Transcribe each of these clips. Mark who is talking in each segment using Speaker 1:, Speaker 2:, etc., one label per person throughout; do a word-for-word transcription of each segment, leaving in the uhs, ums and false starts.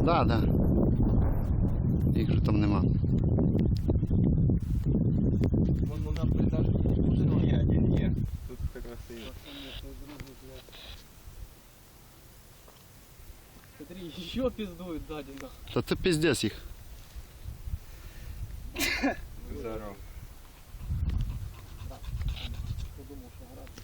Speaker 1: Да, да. Їх же там нема.
Speaker 2: Вон вона притажна.
Speaker 3: Ні, один є. Тут красиво.
Speaker 2: Смотри, еще пиздуют сзади нахуй.
Speaker 1: Та це піздець їх.
Speaker 3: Здорово.
Speaker 2: Подумал, что грати.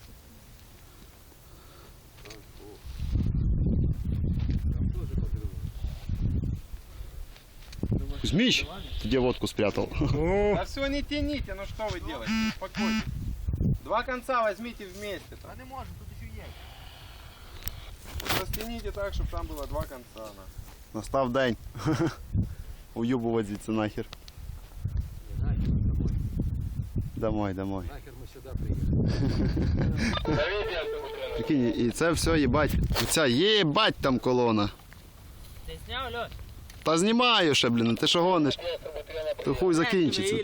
Speaker 1: Кузьмич, ты где водку спрятал?
Speaker 3: Да все, не тяните, ну что вы делаете? Успокойтесь. Два конца возьмите вместе.
Speaker 2: А не можем, тут еще есть.
Speaker 3: Растяните так, чтобы там было два конца. На.
Speaker 1: Настав день. Уюбувати звідси нахер.
Speaker 2: Нахер домой.
Speaker 1: Домой, домой.
Speaker 2: Нахер мы сюда приехали.
Speaker 1: Прикинь, і це все, їбать. Оця єбать там колона.
Speaker 2: Ты снял, Лёш?
Speaker 1: Та знімаю ще, блін, ти що гониш? То хуй закінчиться.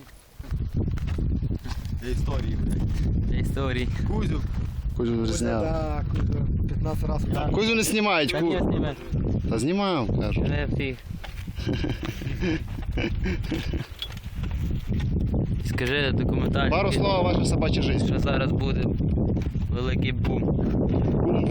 Speaker 3: Для истории, блядь.
Speaker 2: Для истории.
Speaker 3: Кузю.
Speaker 1: Кузю вже зняв.
Speaker 4: Да, Кузю, пятнадцать раз.
Speaker 1: Кузю не знімають.
Speaker 2: Как
Speaker 1: Ку...
Speaker 2: я снимаю?
Speaker 1: Та знімаю, кажу.
Speaker 2: Не фиг. Скажи документально,
Speaker 1: Пару слов о вашій собачій житті.
Speaker 2: що зараз буде великий бум.